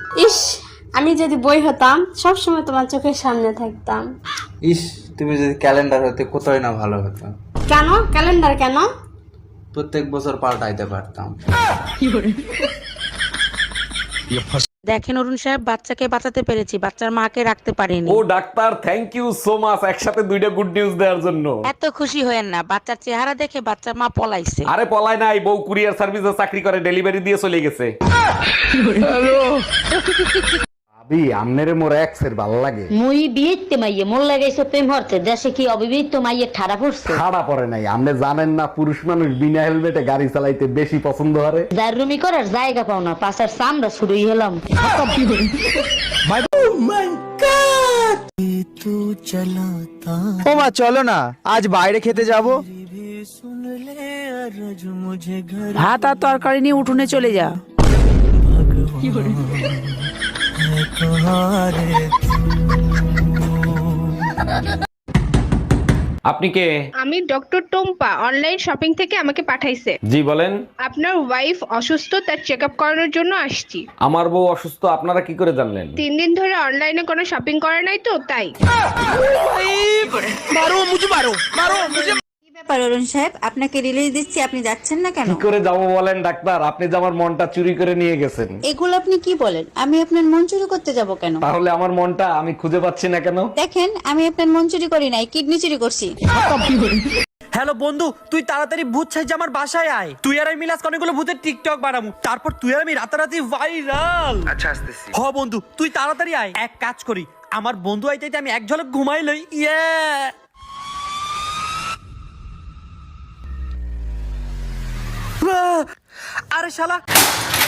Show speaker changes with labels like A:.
A: ইস, আমি যদি বই হতাম সব সময় তোমার চোখের সামনে থাকতাম।
B: ইস, তুমি যদি ক্যালেন্ডার হতে কতই না ভালো হতো।
A: কেন ক্যালেন্ডার কেন?
B: প্রত্যেক বছর পাল্টাইতে পারতাম।
C: দেখেন অরুণ সাহেব, বাচ্চাকে বাঁচাতে পেরেছি, বাচ্চার মাকে রাখতে পারিনি।
D: ও doctor, thank you so much একসাথে দুইটা গুড নিউজ দেওয়ার জন্য।
C: এত খুশি হয়েন না, বাচ্চার চেহারা দেখে বাচ্চার মা পলাইছে।
D: আরে পলায় নাই, বউ কুরিয়ার সার্ভিসে চাকরি করে, ডেলিভারি দিয়ে চলে গেছে। ভাবি, আমনেরে মোর এক্সের ভালো লাগে।
E: মুই বিয়েতে মাইয়ে মোর লাগাইছো প্রেম হরতে, দেশে কি অবিবাহিত মাইয়ে ঠাড়া পড়ছে?
D: খাড়া পড়ে নাই, আপনি জানেন না পুরুষ মানুষ বিনা হেলমেটে গাড়ি চালাইতে বেশি পছন্দ করে।
E: দারুমি করার জায়গা পাও না, পাশার চামড়া শুরুই হলাম।
F: ও মা, চলো না আজ বাইরে খেতে যাবো।
C: ভাত আর তরকারি নিয়ে উঠোনে চলে যা।
D: আপনি কে?
G: আমি ডক্টর টোম্পা, অনলাইন শপিং থেকে আমাকে পাঠাইছে।
D: জি বলেন।
G: আপনার ওয়াইফ অসুস্থ, তার চেক আপ করানোর জন্য আসছি।
D: আমার বউ অসুস্থ, আপনারা কি করে জানলেন?
G: 3 দিন ধরে অনলাইনে কোনো শপিং করে নাই তো তাই।
H: ব্যাপার অরুণ সাহেব, আপনাকে রিলিজ দিচ্ছি, আপনি যাচ্ছেন না কেন?
D: কি করে যাবো বলেন ডাক্তার, আপনি যে আমার মনটা চুরি করে নিয়ে গেছেন।
H: এগুলো আপনি কি বলেন? আমি আপনার মন চুরি করতে যাব কেন?
D: তাহলে আমার মনটা আমি খুঁজে পাচ্ছি না কেন?
H: দেখেন, আমি আপনার মন চুরি করি নাই, কিডনি চুরি করছি।
F: হ্যালো বন্ধু, তুই তাড়াতাড়ি ভূত সাইজ আমার বাসায় আয়। তুই আর আমি মিলাস অনেকগুলো ভূতের টিকটক বানাবো, তারপর তুই আর আমি রাতারাতি ভাইরাল। আচ্ছা আসতেছি। হ বন্ধু, তুই তাড়াতাড়ি আয়। এক কাজ করি, আমার বন্ধু আইতে আমি এক ঝলক ঘুমাই লই। ইয়ে আরে শালা,